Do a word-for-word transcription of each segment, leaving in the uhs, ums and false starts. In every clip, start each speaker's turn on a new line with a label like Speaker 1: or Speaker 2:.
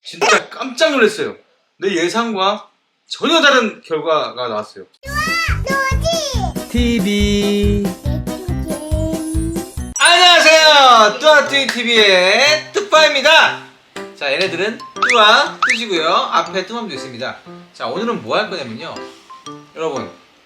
Speaker 1: 진짜 깜짝 놀랐어요. 내 예상과 전혀 다른 결과가 나왔어요. 티비 안녕하세요. 뚜아뚜이 티비의 뚜빠입니다. 자, 얘네들은 뚜아 뚜시고요. 앞에 뚜맘도 있습니다. 자, 오늘은 뭐 할 거냐면요. 여러분,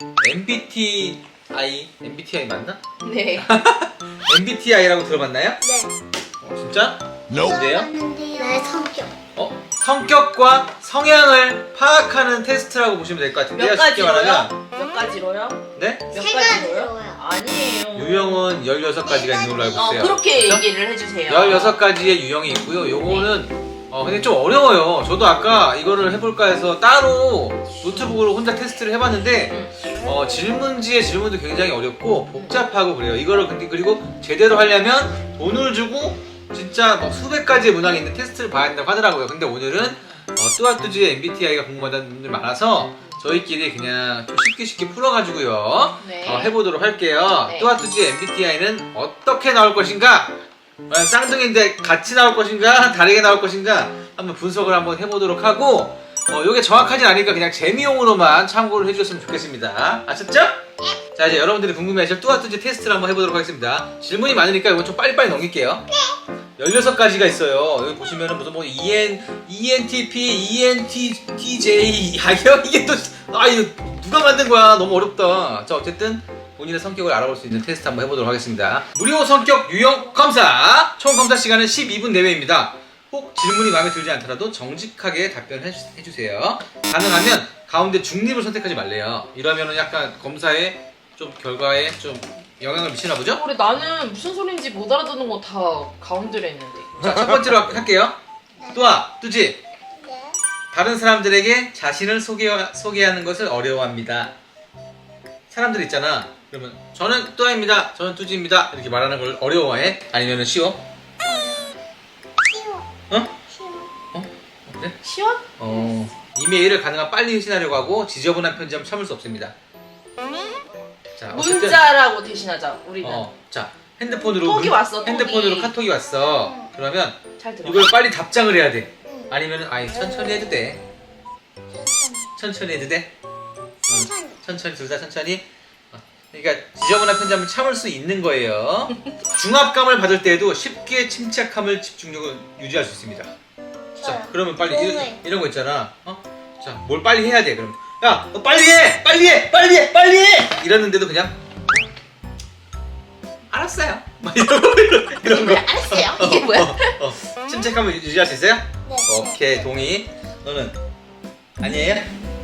Speaker 1: 엠비티아이 엠비티아이 맞나?
Speaker 2: 네.
Speaker 1: 엠비티아이라고 들어봤나요?
Speaker 3: 네.
Speaker 1: 어, 진짜? 뭔데요?
Speaker 3: 나의 성격.
Speaker 1: 어? 성격과 성향을 파악하는 테스트라고 보시면 될 것 같은데요.
Speaker 2: 몇
Speaker 1: 쉽게 말하면.
Speaker 2: 가지로요? 몇 가지로요?
Speaker 1: 네?
Speaker 2: 몇
Speaker 3: 세
Speaker 2: 가지로요?
Speaker 3: 가지로요.
Speaker 2: 아니에요.
Speaker 1: 유형은 열여섯 가지가 있는 걸로 알고
Speaker 2: 어,
Speaker 1: 있어요.
Speaker 2: 그렇게
Speaker 1: 그렇죠?
Speaker 2: 얘기를 해주세요.
Speaker 1: 열여섯 가지의 유형이 있고요. 요거는 어 근데 좀 어려워요. 저도 아까 이거를 해볼까 해서 따로 노트북으로 혼자 테스트를 해봤는데
Speaker 2: 응.
Speaker 1: 어, 질문지의 질문도 굉장히 어렵고 복잡하고 그래요. 이거를 근데 그리고 제대로 하려면 돈을 주고 진짜 뭐 수백 가지의 문항이 있는 테스트를 봐야 된다고 하더라고요. 근데 오늘은 어, 뚜아뚜지의 엠비티아이가 궁금하다는 분들 많아서 저희끼리 그냥 좀 쉽게 쉽게 풀어가지고요.
Speaker 2: 네.
Speaker 1: 어, 해보도록 할게요.
Speaker 2: 네.
Speaker 1: 뚜아뚜지의 엠비티아이는 어떻게 나올 것인가? 어, 쌍둥이인데 같이 나올 것인가? 다르게 나올 것인가? 한번 분석을 한번 해보도록 하고 어, 요게 정확하진 않으니까 그냥 재미용으로만 참고를 해주셨으면 좋겠습니다. 아셨죠? 자, 이제 여러분들이 궁금해하실 뚜아뚜지 테스트를 한번 해보도록 하겠습니다. 질문이 많으니까 이건 좀 빨리빨리 넘길게요. 열여섯 가지가 있어요. 여기 보시면은 무슨 뭐 이엔, 이엔티피, 이엔티제이 아 이게 또 아 이거 누가 만든 거야? 너무 어렵다. 자, 어쨌든 본인의 성격을 알아볼 수 있는 테스트 한번 해보도록 하겠습니다. 무료 성격 유형 검사! 총 검사 시간은 십이 분 내외입니다. 혹 질문이 마음에 들지 않더라도 정직하게 답변해주세요. 가능하면 가운데 중립을 선택하지 말래요. 이러면은 약간 검사에 좀 결과에 좀 영향을 미치나 보죠?
Speaker 2: 우리 나는 무슨 소린지 못 알아듣는 거 다 가운데로 했는데.
Speaker 1: 자, 첫 번째로 할게요. 뚜아, 뚜지.
Speaker 3: 네.
Speaker 1: 다른 사람들에게 자신을 소개, 소개하는 것을 어려워합니다. 사람들 있잖아. 그러면 저는 뚜아입니다. 저는 뚜지입니다. 이렇게 말하는 걸 어려워해? 아니면 쉬워?
Speaker 3: 쉬워.
Speaker 1: 어?
Speaker 3: 쉬워.
Speaker 1: 어? 그래?
Speaker 2: 시원?
Speaker 1: 어. 이메일을 가능한 빨리 회신하려고 하고 지저분한 편지함 참을 수 없습니다. 자, 어쨌든
Speaker 2: 문자라고 대신하자. 우리는.
Speaker 1: 어, 자, 핸드폰으로
Speaker 2: 톡이 왔어, 톡이.
Speaker 1: 핸드폰으로 카톡이 왔어. 그러면
Speaker 2: 잘 들어.
Speaker 1: 이걸 빨리 답장을 해야 돼.
Speaker 3: 응.
Speaker 1: 아니면 아이 천천히 해도 돼. 천천히 해도 돼.
Speaker 3: 천천히.
Speaker 1: 천천히 둘 다 천천히. 어, 그러니까 지저분한 편지함을 참을 수 있는 거예요. 중압감을 받을 때에도 쉽게 침착함을 집중력을 유지할 수 있습니다. 자, 그러면 빨리 이런,
Speaker 3: 네.
Speaker 1: 이런 거 있잖아. 어? 자, 뭘 빨리 해야 돼. 그럼 야, 너 빨리 해, 빨리 해, 빨리 해, 빨리 해. 이러는데도 그냥 알았어요. 막 이런 거 이런, 이런 거.
Speaker 2: 알았어요. 이게 뭐야?
Speaker 1: 어, 어, 어. 침착함을 유지할 수 있어요?
Speaker 3: 네.
Speaker 1: 오케이, 동의. 너는 아니에요?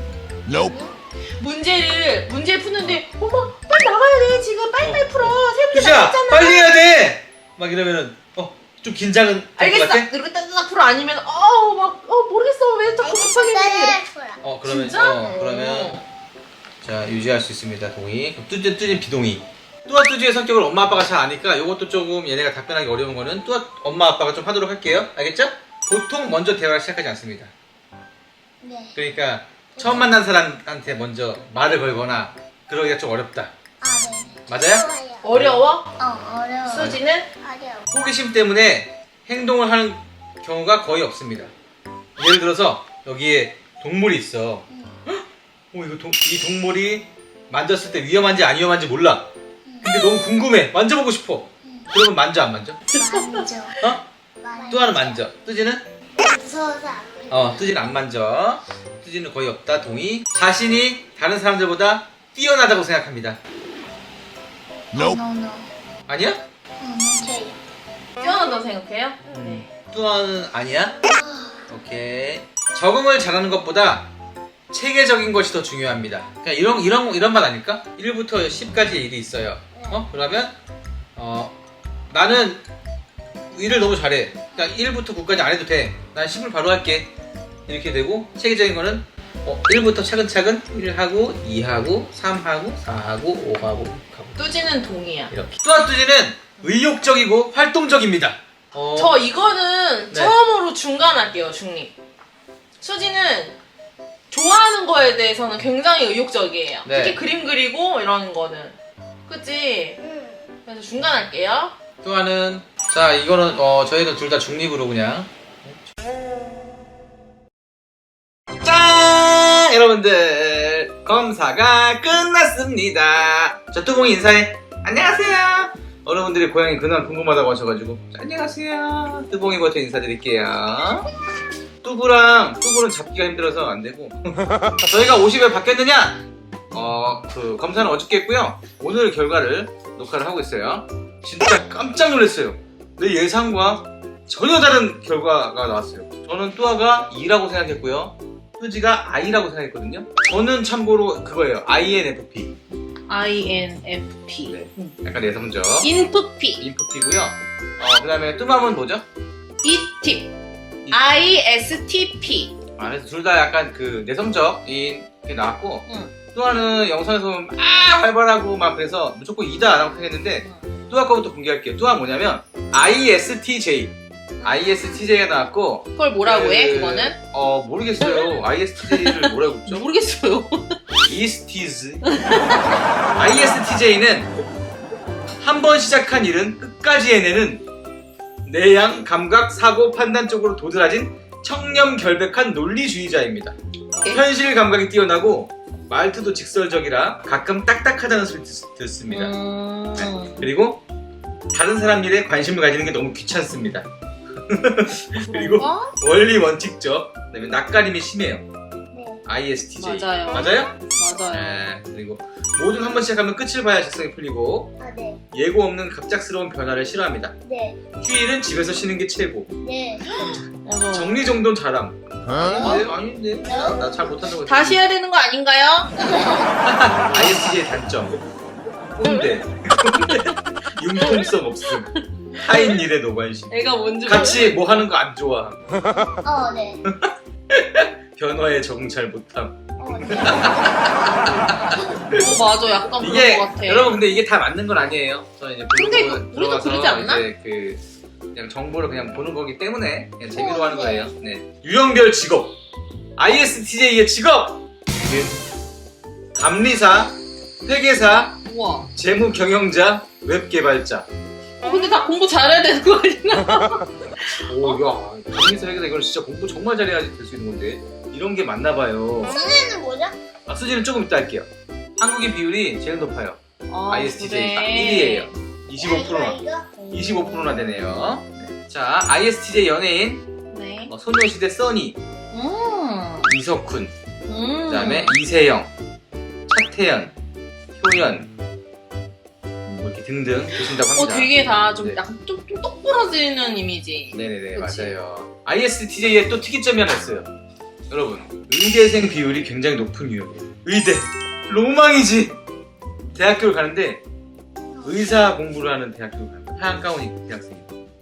Speaker 2: 문제를 문제 푸는데 어머 빨리 나가야 돼 지금 빨리빨리 풀어 세 문제
Speaker 1: 뚜시야,
Speaker 2: 남았잖아.
Speaker 1: 빨리 해야 돼. 막 이러면은 어, 좀 긴장은 될 것
Speaker 2: 알겠어.
Speaker 1: 같아?
Speaker 2: 이렇게 따뜻딱 풀어 아니면 어우 막어 모르겠어 왜 자꾸 급하게 해.
Speaker 1: 어, 그러면
Speaker 2: 진짜?
Speaker 1: 어, 그러면 자, 유지할 수 있습니다. 동의. 그럼 뚜지 뚜지 비동의. 뚜아 뚜지의 성격을 엄마 아빠가 잘 아니까 이것도 조금 얘네가 답변하기 어려운 거는 뚜아 엄마 아빠가 좀 하도록 할게요. 알겠죠? 보통 먼저 대화를 시작하지 않습니다.
Speaker 3: 네.
Speaker 1: 그러니까 처음 만난 사람한테 먼저 말을 걸거나 그러기가 좀 어렵다.
Speaker 3: 아, 네.
Speaker 1: 맞아요?
Speaker 2: 어려워?
Speaker 3: 어, 어려워.
Speaker 2: 수지는?
Speaker 3: 어려워.
Speaker 1: 호기심 때문에 행동을 하는 경우가 거의 없습니다. 예를 들어서 여기에 동물이 있어. 헉? 어, 이거 동, 이 동물이 만졌을 때 위험한지 안 위험한지 몰라. 근데 너무 궁금해. 만져보고 싶어. 그러면 만져 안 만져?
Speaker 3: 만져.
Speaker 1: 어?
Speaker 3: 만져.
Speaker 1: 뚜아는 만져. 뚜지는?
Speaker 3: 무서워서 안 만져.
Speaker 1: 어, 뚜지는 안 만져. 뚜지는 거의 없다. 동의. 자신이 다른 사람들보다 뛰어나다고 생각합니다.
Speaker 3: No, no.
Speaker 1: 아니야?
Speaker 3: 응, 저요.
Speaker 2: 뛰어난다고 생각해요?
Speaker 1: 음. 뚜아는 아니야? 오케이. 적응을 잘하는 것보다 체계적인 것이 더 중요합니다. 그냥 이런 이런 이런 말 아닐까? 일부터 십까지의 일이 있어요. 어? 그러면 어 나는 일을 너무 잘해. 그냥 일부터 구까지 안 해도 돼. 난 십을 바로 할게. 이렇게 되고 체계적인 거는 어, 일부터 차근차근 일 하고 이 하고 삼 하고 사 하고 오 하고 육 하고
Speaker 2: 뚜지는 동이야.
Speaker 1: 이렇게. 뚜아뚜지는 의욕적이고 활동적입니다. 어,
Speaker 2: 저 이거는
Speaker 1: 네.
Speaker 2: 처음으로 중간할게요. 중립. 수지는 좋아하는 거에 대해서는 굉장히 의욕적이에요.
Speaker 1: 네.
Speaker 2: 특히 그림 그리고 이런 거는. 그치?
Speaker 3: 응.
Speaker 2: 그래서 중간할게요.
Speaker 1: 뚜아는 자 이거는 어 저희는 둘 다 중립으로 그냥 여러분들 검사가 끝났습니다. 자, 뚜봉이 인사해. 안녕하세요. 여러분들이 고양이 근황 궁금하다고 하셔가지고 안녕하세요. 뚜봉이부터 인사드릴게요. 뚜구랑 뚜구는 잡기가 힘들어서 안되고 저희가 옷이 왜 바뀌었느냐? 어, 그 검사는 어저께 했고요. 오늘 결과를 녹화를 하고 있어요. 진짜 깜짝 놀랐어요. 내 예상과 전혀 다른 결과가 나왔어요. 저는 뚜아가 이라고 생각했고요. 뚜지가 I라고 생각했거든요. 저는 참고로 그거예요. 아이엔에프피.
Speaker 2: 아이엔에프피.
Speaker 1: 네. 약간 내성적.
Speaker 2: 인프피.
Speaker 1: 인프피고요. 어, 그 다음에 뚜맘은 뭐죠?
Speaker 2: 이팁. 아이에스티피.
Speaker 1: 아, 그래서 둘 다 약간 그 내성적인 게 나왔고,
Speaker 2: 응.
Speaker 1: 뚜아는 영상에서 보면 막 활발하고 막 그래서 무조건 이다 라고 생각했는데,
Speaker 2: 응.
Speaker 1: 뚜아 거부터 공개할게요. 뚜아 뭐냐면 아이에스티제이. 아이에스티제이가 나왔고,
Speaker 2: 그걸 뭐라고
Speaker 1: 그,
Speaker 2: 해, 그거는?
Speaker 1: 어, 모르겠어요. 아이에스티제이를 뭐라고 했죠?
Speaker 2: 모르겠어요.
Speaker 1: 이스티즈. 아이에스티제이는 한 번 시작한 일은 끝까지 해내는 내양, 감각, 사고, 판단 쪽으로 도드라진 청렴결백한 논리주의자입니다.
Speaker 2: 네?
Speaker 1: 현실 감각이 뛰어나고 말투도 직설적이라 가끔 딱딱하다는 소리 듣, 듣습니다.
Speaker 2: 음...
Speaker 1: 네. 그리고 다른 사람 일에 관심을 가지는 게 너무 귀찮습니다. 그리고
Speaker 2: 그런가?
Speaker 1: 원리 원칙적, 그다음에 낯가림이 심해요.
Speaker 3: 네.
Speaker 1: 아이에스티제이.
Speaker 2: 맞아요.
Speaker 1: 맞아요?
Speaker 2: 맞아요.
Speaker 1: 네. 그리고 뭐든 한 번 시작하면 끝을 봐야 적성이 풀리고
Speaker 3: 아, 네.
Speaker 1: 예고 없는 갑작스러운 변화를 싫어합니다.
Speaker 3: 네.
Speaker 1: 휴일은 집에서 쉬는 게 최고.
Speaker 3: 네.
Speaker 2: 맞아.
Speaker 1: 정리정돈 잘함. 아닌데? 아닌데? 나 잘 못한다고.
Speaker 2: 다시 해야 되는 거 아닌가요?
Speaker 1: 아이에스티제이 단점. 꼰대. 융통성 없음. 타인 일에 노관심.
Speaker 2: 애가 뭔지
Speaker 1: 같이 뭐 하는 거 안 좋아.
Speaker 3: 어, 네.
Speaker 1: 변화에 적응 잘 못함.
Speaker 3: 어, 네.
Speaker 2: 어, 맞아. 약간
Speaker 1: 이게
Speaker 2: 그런 것 같아.
Speaker 1: 여러분 근데 이게 다 맞는 건 아니에요. 저는 이제
Speaker 2: 근데
Speaker 1: 블로그
Speaker 2: 우리도
Speaker 1: 들어가서
Speaker 2: 그러지 않나?
Speaker 1: 이제 그 그냥 정보를 그냥 보는 거기 때문에 그냥 재미로
Speaker 3: 어,
Speaker 1: 하는
Speaker 3: 네.
Speaker 1: 거예요. 네. 유형별 직업. 아이에스티제이의 직업. 감리사, 회계사,
Speaker 2: 우와.
Speaker 1: 재무 경영자, 웹 개발자.
Speaker 2: 어, 근데 다 공부 잘해야 되는 거 아니야?
Speaker 1: 오, 야, 감리사, 회계사 이건 진짜 공부 정말 잘해야지 될 수 있는 건데 이런 게 맞나 봐요.
Speaker 3: 수지는 뭐죠?
Speaker 1: 아, 수지는 조금 이따 할게요. 한국인 비율이 제일 높아요.
Speaker 2: 아,
Speaker 1: 아이에스티제이 딱
Speaker 2: 그래.
Speaker 1: 일 위예요. 이십오 퍼센트나.
Speaker 3: 이거, 이거?
Speaker 1: 이십오 퍼센트나 되네요. 네. 자, 아이에스티제이 연예인
Speaker 2: 네.
Speaker 1: 어, 소녀시대 써니,
Speaker 2: 음.
Speaker 1: 이석훈,
Speaker 2: 음.
Speaker 1: 그 다음에 이세영, 차태현, 효연 뭐 이렇게 등등 계신다고
Speaker 2: 어,
Speaker 1: 합니다.
Speaker 2: 되게 다 좀
Speaker 1: 네.
Speaker 2: 약간 좀, 좀 똑부러지는 이미지.
Speaker 1: 네네네,
Speaker 2: 그치?
Speaker 1: 맞아요. 아이에스티제이에 또 특이점이 하나 있어요. 여러분, 의대생 비율이 굉장히 높은 유형이에요. 의대 로망이지. 대학교를 가는데 의사 공부를 하는 대학교를 가요. 하얀 가운 입은 대학생이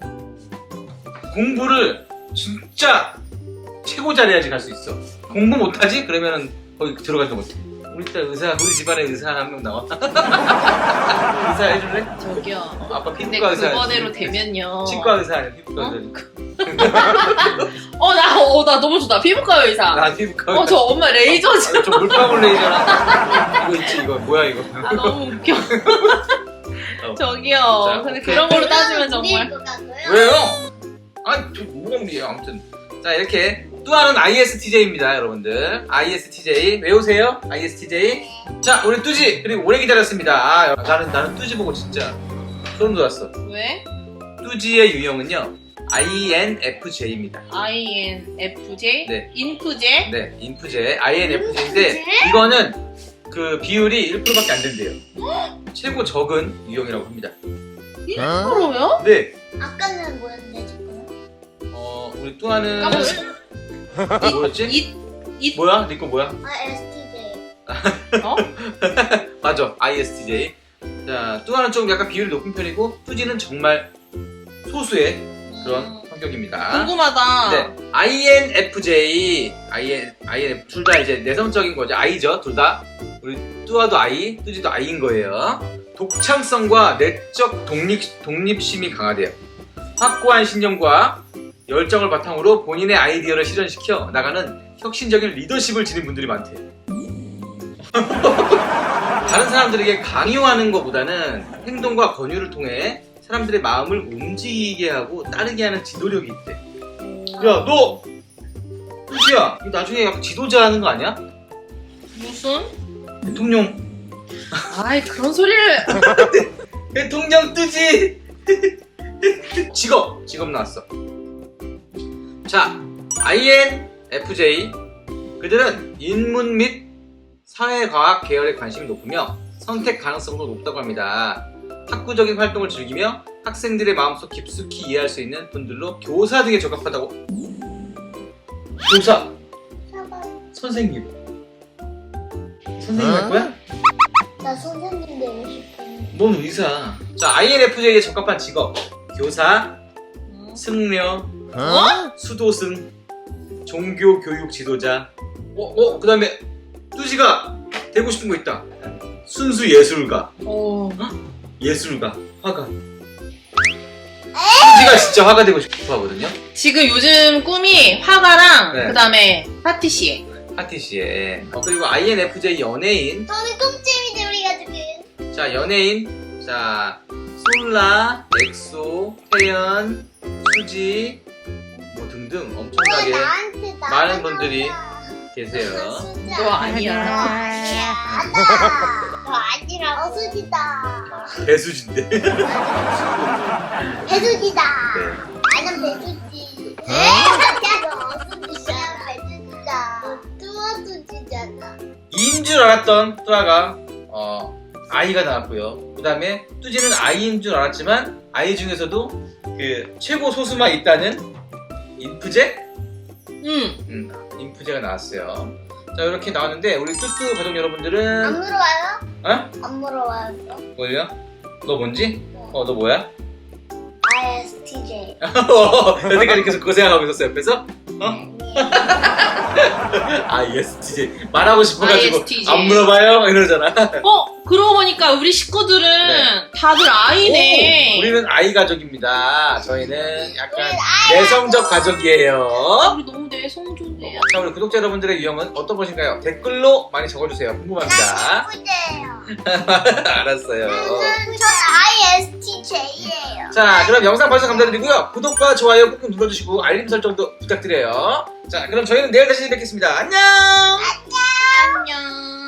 Speaker 1: 공부를 진짜 최고 잘해야지 갈 수 있어. 공부 못하지? 그러면은 거기 들어가지도 못해. 우리 딸 의사, 우리 집안에 의사 한 명 나와. 의사 해줄래?
Speaker 2: 저기요.
Speaker 1: 어, 아빠
Speaker 2: 근데
Speaker 1: 피부과 의사.
Speaker 2: 그거대로 되면요.
Speaker 1: 치과 의사 아니야, 피부과
Speaker 2: 어?
Speaker 1: 의사.
Speaker 2: 어, 나, 어, 나 너무 좋다. 피부과 의사.
Speaker 1: 나 피부과
Speaker 2: 어, 저 엄마 레이저 지
Speaker 1: 아, 저 물방울 레이저랑 이거 있지, 이거 뭐야 이거.
Speaker 2: 아, 너무 웃겨.
Speaker 1: 어.
Speaker 2: 저기요.
Speaker 1: 자,
Speaker 2: 근데
Speaker 1: 오케이.
Speaker 2: 그런 걸로 따지면
Speaker 3: 이건
Speaker 2: 정말.
Speaker 3: 무리일 것 같고요.
Speaker 1: 왜요? 아, 저 뭐가 무리예요, 아무튼. 자, 이렇게 뚜아는 아이에스티제이입니다, 여러분들. 아이에스티제이 외우세요. 아이에스티제이. 자, 우리 뚜지 그리고 오래 기다렸습니다. 아, 나는 나는 뚜지 보고 진짜 소름 돋았어.
Speaker 2: 왜?
Speaker 1: 뚜지의 유형은요 아이엔에프제이입니다.
Speaker 2: 아이엔에프제이?
Speaker 1: 네.
Speaker 2: 인프제?
Speaker 1: 네, 인프제 아이엔에프제이인데
Speaker 3: 인프제?
Speaker 1: 이거는 그 비율이 일 퍼센트밖에 안 된대요. 최고 적은 유형이라고 합니다.
Speaker 2: 일 퍼센트요?
Speaker 1: 네,
Speaker 3: 아까는 뭐였는데, 지금?
Speaker 1: 어 우리 뚜아는
Speaker 3: 까먹었어.
Speaker 1: 뭐였지?
Speaker 2: 이, 이,
Speaker 1: 뭐야? 니꺼 뭐야?
Speaker 3: 아, 에스티제이.
Speaker 2: 어?
Speaker 1: 맞아, 아이에스티제이. 자, 뚜아는 좀 약간 비율이 높은 편이고 뚜지는 정말 소수의 그런
Speaker 2: 음,
Speaker 1: 성격입니다.
Speaker 2: 궁금하다.
Speaker 1: 네, 아이엔에프제이, 아이엔, 아이엔 둘 다 이제 내성적인 거죠. I죠, 둘 다. 우리 뚜아도 I, 뚜지도 I인 거예요. 독창성과 내적 독립 독립심이 강하대요. 확고한 신념과 열정을 바탕으로 본인의 아이디어를 실현시켜 나가는 혁신적인 리더십을 지닌 분들이 많대요. 다른 사람들에게 강요하는 것보다는 행동과 권유를 통해 사람들의 마음을 움직이게 하고 따르게 하는 지도력이 있대. 야, 너! 뚜지야, 이거 나중에 약간 지도자 하는 거 아니야?
Speaker 2: 무슨?
Speaker 1: 대통령.
Speaker 2: 아이 그런 소리를.
Speaker 1: 대통령 뜨지. 직업 직업 나왔어. 자, 아이엔에프제이 그들은 인문 및 사회과학 계열에 관심이 높으며 선택 가능성도 높다고 합니다. 학구적인 활동을 즐기며 학생들의 마음속 깊숙이 이해할 수 있는 분들로 교사 등에 적합하다고. 교사,
Speaker 3: 사과.
Speaker 1: 선생님. 선생님 할 거야?
Speaker 3: 나 선생님 되고 싶어.
Speaker 1: 넌 의사. 자, 아이엔에프제이에 적합한 직업 교사, 승려,
Speaker 2: 어?
Speaker 1: 수도승, 종교 교육 지도자. 어, 어, 그 다음에 뚜지가 되고 싶은 거 있다. 순수 예술가,
Speaker 2: 어.
Speaker 1: 예술가, 화가. 뚜지가 진짜 화가 되고 싶어 하거든요.
Speaker 2: 지금 요즘 꿈이 화가랑
Speaker 1: 네.
Speaker 2: 그다음에 파티시에.
Speaker 1: 파티시에. 어, 그리고 아이엔에프제이 연예인.
Speaker 3: 저는 꿈잼이지 우리 가족은.
Speaker 1: 자, 연예인. 자, 솔라, 엑소, 태연, 수지, 뭐 등등
Speaker 3: 왜
Speaker 1: 엄청나게
Speaker 3: 나한테 나
Speaker 1: 많은 분들이 계세요.
Speaker 2: 너 아니야.
Speaker 3: 너 아니야. 너 아니라 어수지다.
Speaker 1: 배수진데.
Speaker 3: 배수지다.
Speaker 1: 네.
Speaker 3: 나는 배수지. 야, 너 어수지야. 배수지다. 너 뚜어수지잖아.
Speaker 1: 이인 줄 알았던 뚜아가 어, 아이가 나왔고요. 그 다음에 뚜지는 아이인 줄 알았지만 아이 중에서도 그 최고 소수만 있다는 인프제?
Speaker 2: 응.
Speaker 1: 음, 인프제가 나왔어요. 자, 이렇게 나왔는데 우리 뚜뚜 가족 여러분들은
Speaker 3: 안 물어봐요?
Speaker 1: 어?
Speaker 3: 안 물어봐요. 또?
Speaker 1: 뭐예요? 너 뭔지? 어, 너 뭐야?
Speaker 3: 아이에스티제이.
Speaker 1: 여태까지 계속 그거 생각하고 있었어 옆에서? 어? 아, 예스, 티제이 말하고 싶어가지고
Speaker 2: 아이에스티제이.
Speaker 1: 안 물어봐요? 이러잖아.
Speaker 2: 어 그러고 보니까 우리 식구들은
Speaker 1: 네.
Speaker 2: 다들 아이네.
Speaker 1: 오, 우리는 아이 가족입니다. 저희는 약간
Speaker 3: 우리는 아이
Speaker 1: 내성적 가족이에요.
Speaker 2: 우리 너무 내성적이야.
Speaker 1: 자, 우리 구독자 여러분들의 유형은 어떤 것인가요? 댓글로 많이 적어주세요. 궁금합니다.
Speaker 3: 예쁘대요.
Speaker 1: 알았어요.
Speaker 3: 전 아이에스티제이예요.
Speaker 1: 자, 그럼 영상 봐주셔서 감사드리고요. 구독과 좋아요 꾹꾹 눌러주시고 알림 설정도 부탁드려요. 자, 그럼 저희는 내일 다시 뵙겠습니다. 안녕!
Speaker 2: 안녕.